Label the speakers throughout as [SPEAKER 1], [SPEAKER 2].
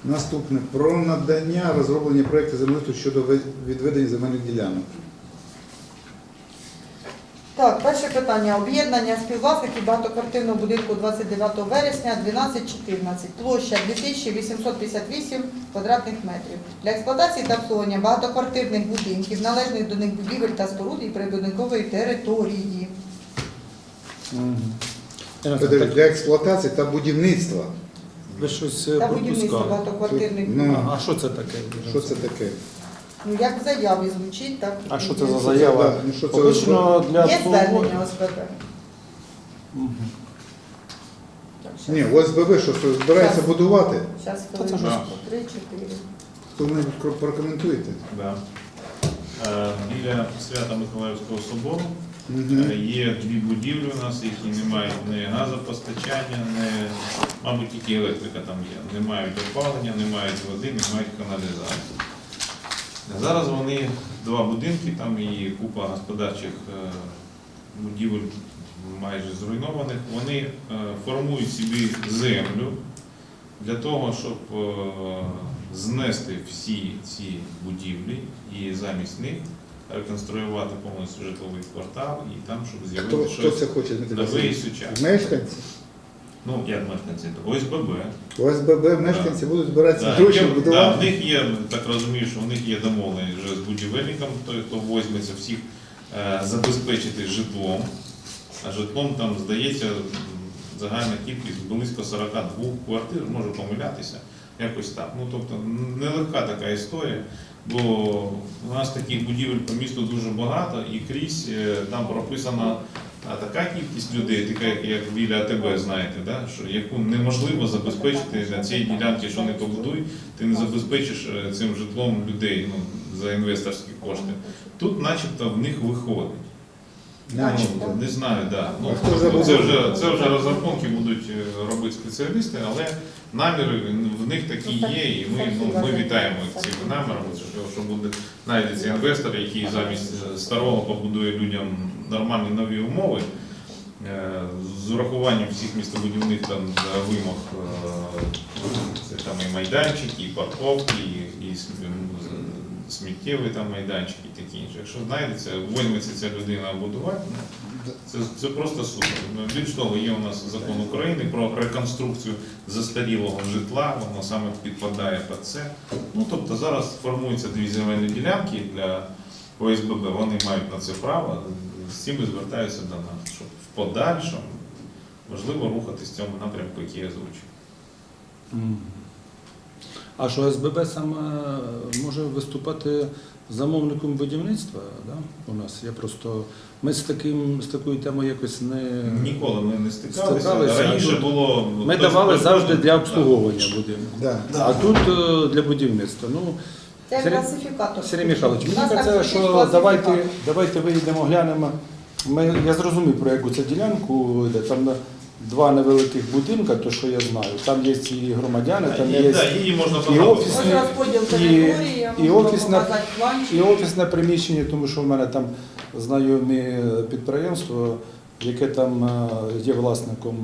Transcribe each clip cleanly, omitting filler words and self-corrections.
[SPEAKER 1] Наступне. Про надання розроблення проєкту землеустрою щодо відведення земельних ділянок.
[SPEAKER 2] Так, перше питання. Об'єднання співвласників багатоквартирного будинку 29 вересня 1214. Площа 2858 квадратних метрів. Для експлуатації та обслуговування багатоквартирних будинків, належних до них будівель та споруд і прибудинкової території.
[SPEAKER 1] Для експлуатації та будівництва.
[SPEAKER 3] Ви щось
[SPEAKER 2] Та будівництво
[SPEAKER 3] пропускали.
[SPEAKER 2] багатоквартирних
[SPEAKER 1] Ну,
[SPEAKER 2] будинків.
[SPEAKER 3] А що це таке?
[SPEAKER 1] Що це таке?
[SPEAKER 2] Ну, як в заяві звучить, так.
[SPEAKER 3] А що
[SPEAKER 2] і
[SPEAKER 3] це за
[SPEAKER 2] є.
[SPEAKER 3] заява?
[SPEAKER 1] Ну, що це
[SPEAKER 3] Обично для
[SPEAKER 2] Є
[SPEAKER 3] обслуговування.
[SPEAKER 2] звернення ОСББ? Так,
[SPEAKER 1] Ні, ОСББ, що збирається
[SPEAKER 2] Щас.
[SPEAKER 1] будувати?
[SPEAKER 2] Зараз
[SPEAKER 3] Та це ж
[SPEAKER 2] хвилинку.
[SPEAKER 4] Да.
[SPEAKER 2] 3-4.
[SPEAKER 1] Хто-небудь прокоментуєте?
[SPEAKER 4] Біля Свято-Миколаївського собору
[SPEAKER 1] Мгм.
[SPEAKER 4] є дві будівлі у нас, які не мають ні газопостачання, ні, мабуть, тільки електрика там є. Не мають опалення, не мають води, не мають каналізації. Зараз вони, два будинки, там і купа господарчих будівель майже зруйнованих, вони формують собі землю для того, щоб знести всі ці будівлі і замість них реконструювати повністю житловий квартал і там, щоб
[SPEAKER 1] Хто
[SPEAKER 4] з'явилося щось
[SPEAKER 1] це хоче, Дмитро
[SPEAKER 4] нове і
[SPEAKER 1] Васильович?
[SPEAKER 4] сучасне.
[SPEAKER 1] Мешканці?
[SPEAKER 4] Ну, як мешканці? ОСББ.
[SPEAKER 1] ОСББ мешканці будуть збиратися гроші
[SPEAKER 4] В
[SPEAKER 1] будувати.
[SPEAKER 4] них є, так розумію, що в них є домовлення вже з будівельником, той, хто возьметься всіх забезпечити житлом. А житлом там, здається, загальна кількість близько 42 квартир, можу помилятися, якось так. Ну, тобто, нелегка така історія, бо у нас таких будівель по місту дуже багато і крізь там прописана така кількість людей, така як біля АТБ, знаєте, да? Що, яку неможливо забезпечити на цій ділянці, що не побудуй, ти не забезпечиш цим житлом людей за інвесторські кошти. Тут начебто в них виходить.
[SPEAKER 2] Начебто.
[SPEAKER 4] Не знаю, да.
[SPEAKER 1] А хто забудує?
[SPEAKER 4] Це вже розрахунки будуть робити спеціалісти, але наміри в них такі є, і ми вітаємо цими намірами, що буде знайдеться інвестор, який замість старого побудує людям нормальні нові умови, з урахуванням всіх містобудівних там вимог, це там і майданчики, і парковки, і сміттєві там майданчики і такі інше. Якщо знайдеться, візьметься ця людина будувати, це просто супер. Більш того, є у нас закон України про реконструкцію застарілого житла, воно саме підпадає під це. Ну, тобто зараз формуються дві земельні ділянки для ОСББ, вони мають на це право, з цим і звертаються до нас, щоб в подальшому можливо рухатись в цьому напрямку, який я озвучив.
[SPEAKER 3] А що СББ саме може виступати замовником будівництва, да? У нас ми з такою темою якось не
[SPEAKER 4] Ніколи ми не стикалися.
[SPEAKER 3] Стикалися,
[SPEAKER 4] Раніше
[SPEAKER 3] тут
[SPEAKER 4] було
[SPEAKER 3] ми давали завжди для обслуговування будинку.
[SPEAKER 1] Да.
[SPEAKER 3] А тут для будівництва. Ну,
[SPEAKER 2] Це
[SPEAKER 3] Сергій-
[SPEAKER 2] класифікатор.
[SPEAKER 3] Сергій Михайлович,
[SPEAKER 2] У
[SPEAKER 3] мені
[SPEAKER 2] нас так
[SPEAKER 3] кажеться,
[SPEAKER 2] звучить
[SPEAKER 3] що
[SPEAKER 2] класифікатор.
[SPEAKER 3] давайте виїдемо, глянемо. Я зрозумів, про яку це ділянку йде. Там два невеликих будинка, то що я знаю. Там є і громадяни, там є
[SPEAKER 4] її можна
[SPEAKER 3] і
[SPEAKER 4] багато.
[SPEAKER 3] офісні,
[SPEAKER 2] Ось розподіл території,
[SPEAKER 3] і
[SPEAKER 2] можна
[SPEAKER 3] офісна-
[SPEAKER 2] показати планчик.
[SPEAKER 3] і офісне приміщення, тому що в мене там знайомі підприємство, яке там є власником.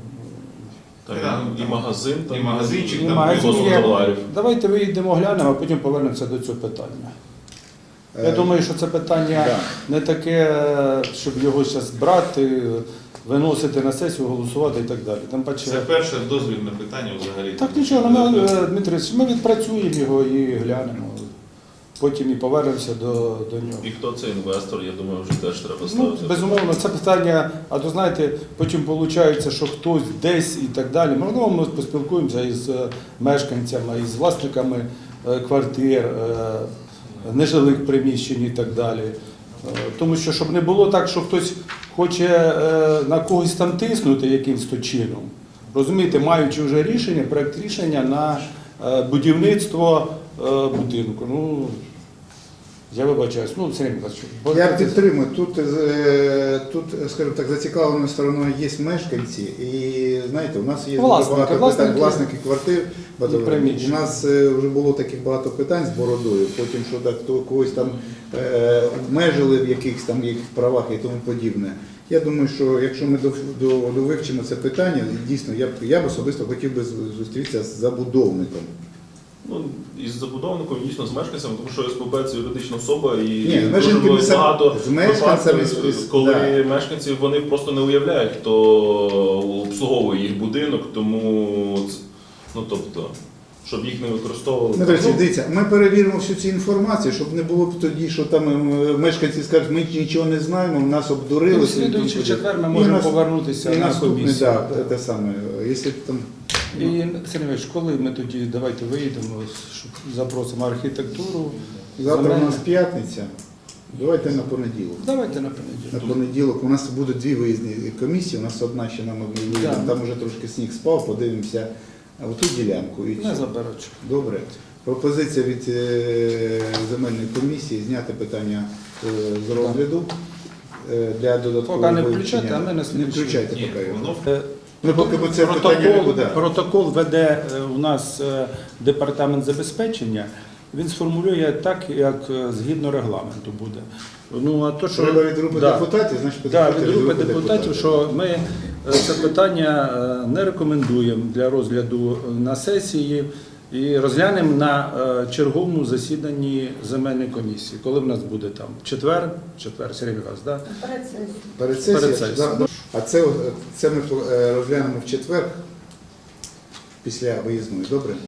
[SPEAKER 5] Там і магазин,
[SPEAKER 4] І магазинчик,
[SPEAKER 3] І
[SPEAKER 4] там
[SPEAKER 3] магазин
[SPEAKER 4] близько
[SPEAKER 3] є.
[SPEAKER 5] товарів.
[SPEAKER 3] Давайте виїдемо, глянемо, а потім повернемося до цього питання. Я думаю, що це питання
[SPEAKER 1] да.
[SPEAKER 3] не таке, щоб його зараз брати, виносити на сесію, голосувати і так далі. Там паче...
[SPEAKER 4] Це перше дозвільне питання взагалі.
[SPEAKER 3] Так нічого, Дмитрович, ми відпрацюємо його і глянемо. Потім і повернемося до нього.
[SPEAKER 5] І хто це інвестор, я думаю, вже теж треба
[SPEAKER 3] Ну,
[SPEAKER 5] ставити.
[SPEAKER 3] безумовно, це питання, а то знаєте, потім виходить, що хтось десь і так далі. Можливо, ми поспілкуємося із мешканцями, із власниками квартир, нежилих приміщень і так далі. Тому що, щоб не було так, що хтось хоче на когось там тиснути якимось то чином. Розумієте, маючи вже рішення, проєкт рішення на будівництво будинку. Ну, я вибачаюсь. Ну, Сергій Михайлович.
[SPEAKER 1] Я підтримую. Тут, скажімо так, зацікавленою стороною є мешканці. І, знаєте, у нас є багато питань, власники квартир. У нас вже було таких багато питань з бородою, потім, що так, когось там обмежили в якихось там їх правах і тому подібне. Я думаю, що якщо ми довивчимо це питання, дійсно, я б особисто хотів би зустрітися з забудовником.
[SPEAKER 5] Ну, із забудовником, і дійсно з мешканцями, тому що СПБ це юридична особа і
[SPEAKER 1] Ні,
[SPEAKER 5] дуже
[SPEAKER 1] мешканці ми сам-
[SPEAKER 5] багато
[SPEAKER 1] з мешканцями,
[SPEAKER 5] випадків, коли
[SPEAKER 1] да.
[SPEAKER 5] мешканці вони просто не уявляють, хто обслуговує їх будинок, тому ну тобто, щоб їх не використовували.
[SPEAKER 1] Дмитро Олексійович, дивіться, ми перевіримо всю цю інформацію, щоб не було б тоді, що там мешканці скажуть, ми нічого не знаємо, нас обдурили.
[SPEAKER 3] Ну, в слідуючий четвер ми можемо повернутися
[SPEAKER 1] і
[SPEAKER 3] на
[SPEAKER 1] наступний,
[SPEAKER 3] комісію.
[SPEAKER 1] да, те саме. Якщо там
[SPEAKER 3] І, Сергій Іванович, коли ми тоді, давайте виїдемо, щоб запросимо архітектуру.
[SPEAKER 1] завтра у
[SPEAKER 3] земельну.
[SPEAKER 1] нас п'ятниця, давайте на понеділок.
[SPEAKER 3] Давайте на
[SPEAKER 1] На
[SPEAKER 3] понеділок.
[SPEAKER 1] понеділок у нас будуть дві виїзні комісії, у нас одна ще нам виїздна,
[SPEAKER 3] Да.
[SPEAKER 1] там вже трошки сніг спав, подивимося оту ділянку. І
[SPEAKER 3] Не
[SPEAKER 1] все.
[SPEAKER 3] заберуть.
[SPEAKER 1] Добре. Пропозиція від земельної комісії зняти питання з розгляду для додаткового
[SPEAKER 3] Поки не
[SPEAKER 1] вивчення.
[SPEAKER 3] включайте, а ми на
[SPEAKER 1] Не
[SPEAKER 3] слідчий.
[SPEAKER 1] включайте
[SPEAKER 4] Ні,
[SPEAKER 1] поки.
[SPEAKER 4] воно
[SPEAKER 1] Ми поки це питання не буде.
[SPEAKER 3] Протокол веде у нас департамент забезпечення. Він сформулює так, як згідно регламенту буде. Ну, а то, що...
[SPEAKER 1] Треба від групи
[SPEAKER 3] Да.
[SPEAKER 1] депутатів, значить
[SPEAKER 3] Так,
[SPEAKER 1] підходьте
[SPEAKER 3] від групи депутатів, що ми це питання не рекомендуємо для розгляду на сесії і розглянемо на черговому засіданні земельної комісії. Коли в нас буде там? Четвер, Сергій Михайлович, так?
[SPEAKER 2] Перед сесією.
[SPEAKER 1] Перед сесією.
[SPEAKER 3] Перед сесією.
[SPEAKER 1] Да, да. А це ми розглянемо в четвер після виїзної. Добре?